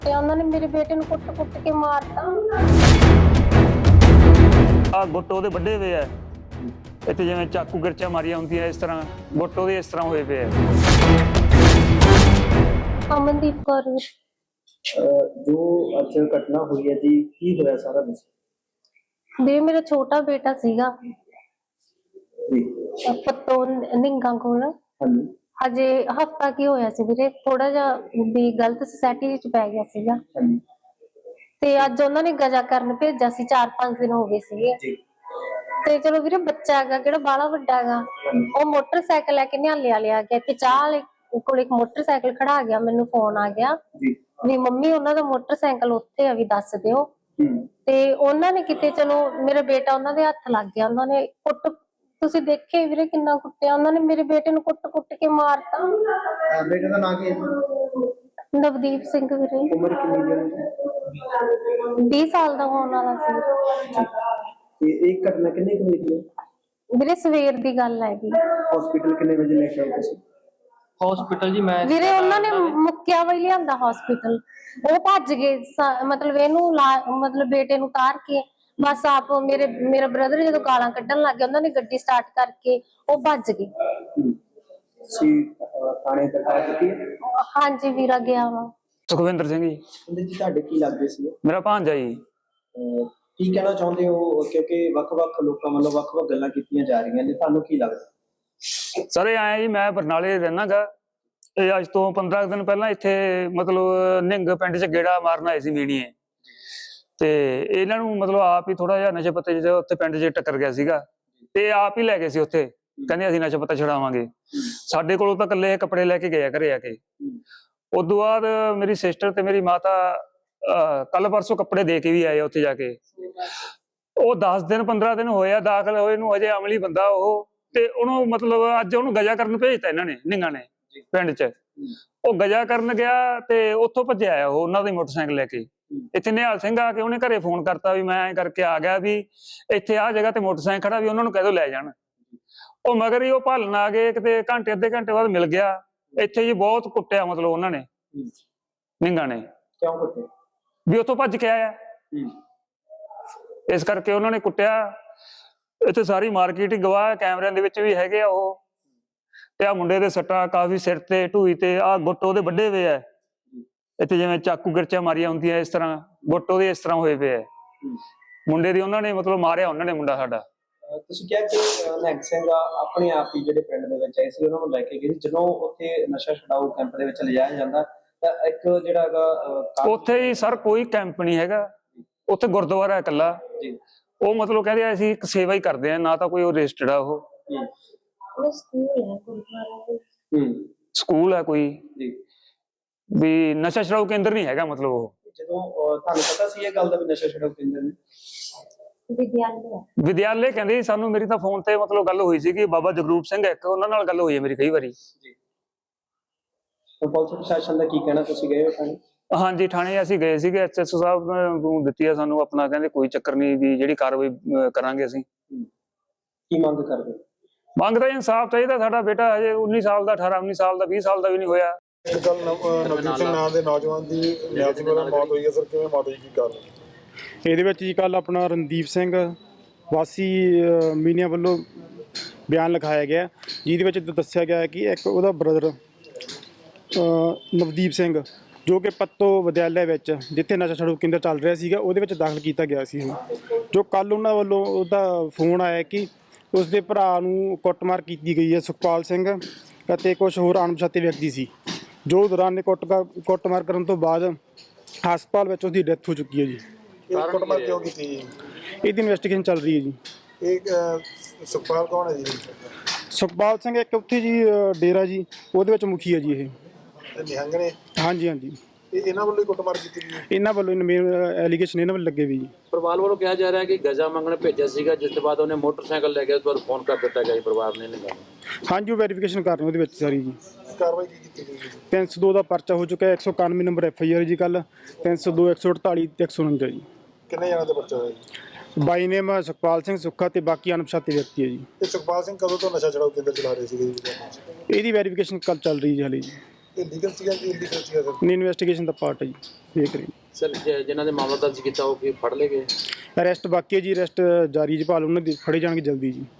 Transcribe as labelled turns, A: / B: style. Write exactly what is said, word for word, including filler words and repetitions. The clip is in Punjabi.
A: ਤੇ ਉਹਨਾਂ ਨੇ ਮੇਰੇ ਬੇਟੇ ਨੂੰ ਕੁੱਟ-ਕੁੱਟ ਕੇ ਮਾਰਤਾ।
B: ਆ ਗੁੱਟ ਉਹਦੇ ਵੱਡੇ ਹੋਏ ਆ ਇੱਥੇ, ਜਿਵੇਂ ਚਾਕੂ ਗਿਰਚਾਂ ਮਾਰੀਆਂ ਹੁੰਦੀਆਂ ਇਸ ਤਰ੍ਹਾਂ ਗੁੱਟ ਉਹਦੇ ਇਸ ਤਰ੍ਹਾਂ ਹੋਏ ਪਏ ਆ।
A: ਅਮਨਦੀਪ ਕੌਰ
C: ਜੋ ਅੱਜ ਘਟਨਾ ਹੋਈ ਹੈ ਜੀ, ਕੀ ਹੋਇਆ ਸਾਰਾ ਦੱਸੋ।
A: ਵੀਰੇ, ਮੇਰਾ ਛੋਟਾ ਬੇਟਾ ਸੀਗਾ ਪੱਤੋ ਨਿੰਗਾ ਕੋਲ।
C: ਹਾਂਜੀ।
A: ਹਜੇ ਹਫਤਾ ਕੀ ਹੋਇਆ ਸੀ ਵੀਰੇ, ਥੋੜਾ ਜਿਹਾ ਵੀ ਗਲਤ ਸੁਸਾਇਟੀ ਵਿੱਚ ਪੈ ਗਿਆ ਸੀਗਾ
C: ਹਾਂਜੀ
A: ਤੇ ਅੱਜ ਉਹਨਾਂ ਨੇ ਗਜਾ ਕਰਨ ਭੇਜਿਆ ਸੀ। ਚਾਰ ਪੰਜ ਦਿਨ ਹੋ ਗਏ ਸੀਗੇ
C: ਜੀ।
A: ਤੇ ਚਲੋ ਵੀਰੇ, ਬੱਚਾ ਹੈਗਾ ਕਿਹੜਾ ਬਾਹਲਾ ਵੱਡਾ ਹੈਗਾ, ਉਹ ਮੋਟਰਸਾਈਕਲ ਲੈ ਕੇ ਨਿਹਾਲਿਆ ਲਿਆ ਗਿਆ ਤੇ ਚਾਹ ਵਾਲੇ ਕੋਲ ਇੱਕ ਮੋਟਰਸਾਈਕਲ ਖੜਾ ਗਿਆ। ਮੈਨੂੰ ਫੋਨ ਆ ਗਿਆ
C: ਜੀ
A: ਵੀ ਮੰਮੀ ਉਹਨਾਂ ਦਾ ਮੋਟਰਸਾਈਕਲ ਉੱਥੇ ਆ, ਵੀ ਦੱਸ ਦਿਓ।
C: ਹੂੰ।
A: ਤੇ ਉਹਨਾਂ ਨੇ ਕਿਤੇ, ਚਲੋ ਮੇਰਾ ਬੇਟਾ ਉਹਨਾਂ ਦੇ ਹੱਥ ਲੱਗ ਗਿਆ। ਉਹਨਾਂ ਨੇ ਕੁੱਟ, ਤੁਸੀਂ ਦੇਖੇ ਵੀਰੇ ਕਿੰਨਾ ਕੁੱਟਿਆ ਉਹਨਾਂ ਨੇ, ਮੇਰੇ ਬੇਟੇ ਨੂੰ ਕੁੱਟ-ਕੁੱਟ ਕੇ ਮਾਰਤਾ।
C: ਬੇਟੇ ਦਾ ਨਾਂ ਕੀ ਹੈ?
A: ਨਵਦੀਪ ਸਿੰਘ ਵੀਰੇ।
C: ਉਮਰ ਕਿੰਨੀ ਹੈ?
A: ਵੀਹ ਸਾਲ ਦਾ ਹੋਣ ਵਾਲਾ ਸੀ।
C: ਤੇ ਇਹ ਘਟਨਾ ਕਿੰਨੇ ਕੁ ਹੋਈ ਹੈ?
A: ਵੀਰੇ ਸਵੇਰ ਦੀ ਗੱਲ ਹੈਗੀ।
C: ਹਸਪੀਟਲ ਕਿੰਨੇ ਵਜੇ ਲੈ ਕੇ ਆਏ ਤੁਸੀਂ?
D: ਹਸਪੀਟਲ ਜੀ ਮੈਂ
A: ਵੀਰੇ ਉਹਨਾਂ ਨੇ ਮੁੱਕਿਆ ਵਈ ਲਿਆਂਦਾ ਹਸਪੀਟਲ, ਉਹ ਭੱਜ ਗਏ। ਮਤਲਬ ਇਹਨੂੰ ਮਤਲਬ ਬੇਟੇ ਨੂੰ ਉਤਾਰ ਕੇ ਬਸ ਆਪ ਮੇਰੇ ਮੇਰਾ ਬ੍ਰਦਰ ਜਦੋਂ ਗਾਲਾਂ ਕੱਢਣ ਲੱਗ ਗਿਆ, ਉਹਨਾਂ ਨੇ ਗੱਡੀ ਸਟਾਰਟ ਕਰਕੇ ਉਹ ਭੱਜ ਗਏ।
C: ਸੀ ਥਾਣੇ ਤੱਕ ਆ ਚੁੱਕੀ ਹੈ?
A: ਹਾਂਜੀ ਵੀਰਾ ਗਿਆ ਵਾ।
B: ਸੁਖਵਿੰਦਰ ਸਿੰਘ ਜੀ।
C: ਉਹਦੇ ਜੀ ਤੁਹਾਡੇ ਕੀ ਲੱਗਦੇ ਸੀ?
B: ਮੇਰਾ ਭਾਂਜਾ ਜੀ।
C: ਕੀ ਕਹਿਣਾ ਚਾਹੁੰਦੇ ਹੋ, ਕਿਉਂਕਿ ਵੱਖ-ਵੱਖ ਲੋਕਾਂ ਵੱਲੋਂ ਵੱਖ-ਵੱਖ ਗੱਲਾਂ ਕੀਤੀਆਂ ਜਾ ਰਹੀਆਂ ਨੇ, ਤੁਹਾਨੂੰ ਕੀ ਲੱਗਦਾ?
B: ਸਰ ਇਹ ਆਇਆ ਜੀ, ਮੈਂ ਬਰਨਾਲੇ ਰਹਿਣਾ ਗਾ। ਇਹ ਅੱਜ ਤੋਂ ਪੰਦਰਾਂ ਦਿਨ ਪਹਿਲਾਂ ਇੱਥੇ ਮਤਲਬ ਨਿੰਗ ਪਿੰਡ 'ਚ ਗੇੜਾ ਮਾਰਨ ਆਏ ਸੀ ਮੀਣੀਏ, ਤੇ ਇਹਨਾਂ ਨੂੰ ਮਤਲਬ ਆਪ ਹੀ ਥੋੜਾ ਜਿਹਾ ਨਸ਼ੇ ਪੱਤੇ ਜਿਹੇ ਉੱਥੇ ਪਿੰਡ 'ਚ ਟੱਕਰ ਗਿਆ ਸੀਗਾ ਤੇ ਆਪ ਹੀ ਲੈ ਗਏ ਸੀ ਉੱਥੇ, ਕਹਿੰਦੇ ਅਸੀਂ ਨਸ਼ਾ ਪੱਤਾ ਛੁਡਾਵਾਂਗੇ। ਸਾਡੇ ਕੋਲੋਂ ਤਾਂ ਇਕੱਲੇ ਕੱਪੜੇ ਲੈ ਕੇ ਗਏ ਆ ਘਰੇ ਆ ਕੇ। ਉਦੋਂ ਬਾਅਦ ਮੇਰੀ ਸਿਸਟਰ ਤੇ ਮੇਰੀ ਮਾਤਾ ਕੱਲ ਪਰਸੋਂ ਕੱਪੜੇ ਦੇ ਕੇ ਵੀ ਆਏ ਉੱਥੇ ਜਾ ਕੇ। ਉਹ ਦਸ ਦਿਨ ਪੰਦਰਾਂ ਦਿਨ ਹੋਏ ਆ ਦਾਖਲ ਹੋਏ ਨੂੰ, ਹਜੇ ਅਮਲੀ ਬੰਦਾ ਉਹ, ਤੇ ਉਹਨੂੰ ਮਤਲਬ ਅੱਜ ਉਹਨੂੰ ਗਜਾ ਕਰਨ ਭੇਜਤਾ ਇਹਨਾਂ ਨੇ, ਨਿੰਗਾ ਨੇ ਪਿੰਡ 'ਚ। ਉਹ ਗਜਾ ਕਰਨ ਗਿਆ ਤੇ ਉੱਥੋਂ ਭੱਜਿਆ ਆਇਆ ਉਹ ਉਹਨਾਂ ਦੇ ਮੋਟਰਸਾਈਕਲ ਲੈ ਕੇ। ਇੱਥੇ ਨਿਹਾਲ ਸਿੰਘ ਆ ਕੇ ਉਹਨੇ ਘਰੇ ਫੋਨ ਕਰਤਾ ਵੀ ਮੈਂ ਐਂ ਕਰਕੇ ਆ ਗਿਆ, ਵੀ ਇੱਥੇ ਆਹ ਜਗ੍ਹਾ ਤੇ ਮੋਟਰਸਾਈਕਲ ਖੜਾ, ਵੀ ਉਹਨਾਂ ਨੂੰ ਕਹਿ ਦਿਓ ਲੈ ਜਾਣ। ਉਹ ਮਗਰ ਹੀ ਉਹ ਭਾਲਣ ਆ ਗਏ, ਕਿਤੇ ਘੰਟੇ ਅੱਧੇ ਘੰਟੇ ਬਾਅਦ ਮਿਲ ਗਿਆ ਇੱਥੇ ਜੀ। ਬਹੁਤ ਕੁੱਟਿਆ ਮਤਲਬ ਉਹਨਾਂ ਨੇ, ਨਿੰਗਾ ਨੇ।
C: ਕਿਉਂ ਕੁੱਟੇ?
B: ਵੀ ਉੱਥੋਂ ਭੱਜ ਕੇ ਆਇਆ, ਇਸ ਕਰਕੇ ਉਹਨਾਂ ਨੇ ਕੁੱਟਿਆ। ਇੱਥੇ ਸਾਰੀ ਮਾਰਕੀਟ ਹੀ ਗਵਾਹ, ਕੈਮਰਿਆਂ ਦੇ ਵਿੱਚ ਵੀ ਹੈਗੇ ਆ ਉਹ। ਤੇ ਆ ਮੁੰਡੇ ਦੇ ਸੱਟਾਂ ਕਾਫੀ ਸਿਰ ਤੇ, ਢੂਈ ਤੇ, ਆ ਗੁੱਟ ਉਹਦੇ ਵੱਡੇ ਹੋਏ ਆ ਇੱਥੇ, ਜਿਵੇਂ ਚਾਕੂ ਗਿਰਚਾਂ ਮਾਰੀਆਂ ਹੁੰਦੀਆਂ ਇਸ ਤਰ੍ਹਾਂ ਗੁੱਟ ਉਹਦੇ ਇਸ ਤਰ੍ਹਾਂ ਹੋਏ ਪਏ ਆ। ਮੁੰਡੇ ਦੀ ਉਹਨਾਂ ਨੇ ਮਤਲਬ ਮਾਰਿਆ ਉਹਨਾਂ ਨੇ ਮੁੰਡਾ ਸਾਡਾ।
C: ਤੁਸੀਂ ਕਿਹਾ ਕਿ ਨਿਹੰਗ ਸਿੰਘ ਆਪਣੇ ਆਪ ਹੀ ਜਿਹੜੇ ਪਿੰਡ ਦੇ ਵਿੱਚ ਆਏ ਸੀ, ਉਹਨਾਂ ਨੂੰ ਲੈ ਕੇ ਗਏ। ਜਦੋਂ ਉੱਥੇ ਨਸ਼ਾ ਛਡਾਊ ਕੈਂਪ ਦੇ ਵਿੱਚ ਲਿਜਾਇਆ ਜਾਂਦਾ ਤਾਂ ਇੱਕ ਜਿਹੜਾ ਹੈਗਾ
B: ਉੱਥੇ ਹੀ ਸਰ ਕੋਈ ਕੈਂਪ ਨਹੀਂ ਹੈਗਾ, ਉੱਥੇ ਗੁਰਦੁਆਰਾ ਇਕੱਲਾ। ਉਹ ਮਤਲਬ ਕਹਿੰਦੇ ਅਸੀਂ ਇੱਕ ਸੇਵਾ ਹੀ ਕਰਦੇ ਆ, ਨਾ ਤਾਂ ਕੋਈ ਉਹ ਰਜਿਸਟਰਡ ਆ। ਉਹ ਸਕੂਲ ਹੈ ਕੋਈ, ਵੀ ਨਸ਼ਾ ਛਡਾਊ ਕੇਂਦਰ ਨਹੀਂ ਹੈਗਾ ਮਤਲਬ ਉਹ।
C: ਜਦੋਂ ਤੁਹਾਨੂੰ ਪਤਾ ਸੀ ਇਹ ਗੱਲ ਦਾ ਵੀ ਨਸ਼ਾ ਛਡਾਊ ਕੇਂਦਰ ਨੇ?
B: ਵਿਦਿਆਲੇ ਕਹਿੰਦੇ ਸੀ ਸਾਨੂੰ। ਮੇਰੀ ਤਾਂ ਫੋਨ ਤੇ ਮਤਲਬ ਗੱਲ ਹੋਈ ਸੀ ਕਿ ਬਾਬਾ ਜਗਰੂਪ ਸਿੰਘ ਇੱਕ, ਉਹਨਾਂ ਨਾਲ ਗੱਲ ਹੋਈ ਹੈ ਮੇਰੀ ਕਈ ਵਾਰੀ।
C: ਪੁਲਿਸ ਪ੍ਰਸ਼ਾਸਨ ਦਾ ਕੀ ਕਹਿਣਾ, ਤੁਸੀਂ ਗਏ ਹੋ ਥਾਣੇ?
B: ਹਾਂਜੀ ਥਾਣੇ ਅਸੀਂ ਗਏ ਸੀਗੇ, ਐਸ ਐਸ ਓ ਸਾਹਿਬ ਨੂੰ ਦਿੱਤੀ ਆ ਸਾਨੂੰ ਆਪਣਾ, ਕਹਿੰਦੇ ਕੋਈ ਚੱਕਰ ਨਹੀਂ, ਵੀ ਜਿਹੜੀ ਕਾਰਵਾਈ ਕਰਾਂਗੇ ਅਸੀਂ।
C: ਕੀ ਮੰਗ ਕਰਦੇ?
B: ਮੰਗ ਤਾਂ ਇਨਸਾਫ ਚਾਹੀਦਾ। ਸਾਡਾ ਬੇਟਾ ਹਜੇ ਉੱਨੀ ਸਾਲ ਦਾ, ਅਠਾਰਾਂ ਉੱਨੀ ਸਾਲ ਦਾ, ਵੀਹ ਸਾਲ ਦਾ ਵੀ ਨਹੀਂ ਹੋਇਆ।
E: ਕੱਲ ਨਵਦੀਪ ਸਿੰਘ ਨਾਮ ਦੇ ਨੌਜਵਾਨ ਦੀ ਨਿਹਾਲ ਸਿੰਘ ਨਾਲ ਮੌਤ ਹੋਈ ਹੈ ਸਰ, ਕਿਵੇਂ ਮੌਤ ਹੋਈ, ਕੀ ਕਾਰਨ?
F: ਇਹਦੇ ਵਿੱਚ ਜੀ ਕੱਲ ਆਪਣਾ ਰਣਦੀਪ ਸਿੰਘ ਵਾਸੀ ਮੀਨੀਆਂ ਵੱਲੋਂ ਬਿਆਨ ਲਿਖਾਇਆ ਗਿਆ, ਜਿਹਦੇ ਵਿੱਚ ਦੱਸਿਆ ਗਿਆ ਕਿ ਇੱਕ ਉਹਦਾ ਬ੍ਰਦਰ ਨਵਦੀਪ ਸਿੰਘ, ਜੋ ਕਿ ਪੱਤੋ ਵਿਦਿਆਲਿਆ ਵਿੱਚ ਜਿੱਥੇ ਨਸ਼ਾ ਛਡਾਊ ਕੇਂਦਰ ਚੱਲ ਰਿਹਾ ਸੀਗਾ, ਉਹਦੇ ਵਿੱਚ ਦਾਖਲ ਕੀਤਾ ਗਿਆ ਸੀ। ਜੋ ਕੱਲ ਉਹਨਾਂ ਵੱਲੋਂ ਉਹਦਾ ਫੋਨ ਆਇਆ ਕਿ ਉਸਦੇ ਭਰਾ ਨੂੰ ਕੁੱਟਮਾਰ ਕੀਤੀ ਗਈ ਹੈ, ਸੁਖਪਾਲ ਸਿੰਘ ਅਤੇ ਕੁਝ ਹੋਰ ਅਣਪਛਾਤੇ ਵਿਅਕਤੀ ਸੀ, ਜੋ ਦੌਰਾਨ ਕੁੱਟ ਕੁੱਟਮਾਰ ਕਰਨ ਤੋਂ ਬਾਅਦ ਹਸਪਤਾਲ ਵਿੱਚ ਉਸਦੀ ਡੈਥ ਹੋ ਚੁੱਕੀ ਹੈ ਜੀ।
E: ਇਹ ਕੁੱਟਮਾਰ ਕਿਉਂ ਕੀਤੀ ਜੀ?
F: ਇਹਦੀ ਇਨਵੈਸਟੀਗੇਸ਼ਨ ਚੱਲ ਰਹੀ ਹੈ ਜੀ।
E: ਇਹ ਸੁਖਪਾਲ ਕੌਣ ਹੈ ਜੀ?
F: ਸੁਖਪਾਲ ਸਿੰਘ ਇੱਕ ਉੱਥੇ ਜੀ ਡੇਰਾ ਜੀ, ਉਹਦੇ ਵਿੱਚ ਮੁਖੀ ਹੈ ਜੀ ਇਹ।
E: ਨਿਹੰਗ ਨੇ?
F: ਹਾਂਜੀ ਹਾਂਜੀ।
E: ਇਹ ਇਹਨਾਂ ਵੱਲੋਂ ਹੀ ਕੁੱਟਮਾਰ ਕੀਤੀ ਗਈ?
F: ਇਹਨਾਂ ਵੱਲੋਂ ਮੇਨ ਐਲੀਗੇਸ਼ਨ ਇਹਨਾਂ ਵੱਲ ਲੱਗੇ ਵੀ ਜੀ।
D: ਪਰਿਵਾਰ ਵੱਲੋਂ ਕਿਹਾ ਜਾ ਰਿਹਾ ਕਿ ਗਜਾ ਮੰਗਣ ਭੇਜਿਆ ਸੀਗਾ, ਜਿਸ ਤੋਂ ਬਾਅਦ ਉਹਨੇ ਮੋਟਰਸਾਈਕਲ ਲੈ ਕੇ ਉਸ ਪਰ ਫੋਨ ਕਰ ਦਿੱਤਾ ਗਿਆ ਜੀ ਪਰਿਵਾਰ ਨੇ।
F: ਹਾਂਜੀ, ਉਹ ਵੈਰੀਫਿਕੇਸ਼ਨ ਕਰ ਰਹੇ ਉਹਦੇ ਵਿੱਚ ਸਾਰੀ ਜੀ।
E: ਕਾਰਵਾਈ ਕੀ ਕੀਤੀ ਗਈ?
F: ਤਿੰਨ ਸੌ ਦੋ ਦਾ ਪਰਚਾ ਹੋ ਚੁੱਕਾ ਹੈ, ਇੱਕ ਸੌ ਇਕਾਨਵੇਂ ਨੰਬਰ ਐਫ ਆਈ ਆਰ ਜੀ ਕੱਲ, ਤਿੰਨ ਸੌ ਦੋ, ਇੱਕ ਸੌ ਅਠਤਾਲੀ ਤੇ ਇੱਕ ਸੌ ਉਣੰਜਾ ਜੀ।
E: ਕਿੰਨੇ ਜਣਾਂ ਦਾ ਪਰਚਾ ਹੋਇਆ ਜੀ?
F: ਬਾਈ ਨੇਮ ਸੁਖਪਾਲ ਸਿੰਘ ਸੁੱਖਾ ਤੇ ਬਾਕੀ ਅਣਪਛਾਤੇ ਵਿਅਕਤੀ ਹੈ ਜੀ।
E: ਤੇ ਸੁਖਪਾਲ ਸਿੰਘ ਕਦੋਂ ਤੋਂ ਨਸ਼ਾ ਛਡਾਊ ਕੇਂਦਰ ਚਲਾ ਰਹੇ ਸੀਗੇ ਜੀ?
F: ਇਹਦੀ ਵੈਰੀਫਿਕੇਸ਼ਨ ਕੱਲ ਚੱਲ ਰਹੀ ਜੀ ਹਾਲੇ ਜੀ।
E: ਇਹ ਲੀਗਲ ਸੀਗਾ ਕਿ ਇਲੀਗਲ ਸੀਗਾ ਸਰ?
F: ਨਹੀਂ, ਇਨਵੈਸਟੀਗੇਸ਼ਨ ਦਾ ਪਾਰਟ ਹੈ ਜੀ, ਦੇਖ ਰਹੇ
D: ਸਰ ਜ- ਜਿਨ੍ਹਾਂ ਦੇ ਮਾਮਲਾ ਦਰਜ ਕੀਤਾ ਉਹ ਕੀ ਫੜ ਲਏ ਗਏ?
F: ਅਰੈਸਟ ਬਾਕੀ ਹੈ ਜੀ, ਅਰੈਸਟ ਜਾਰੀ ਜੀ, ਭਾਲ ਉਹਨਾਂ ਦੀ ਫੜੇ ਜਾਣਗੇ ਜਲਦੀ ਜੀ।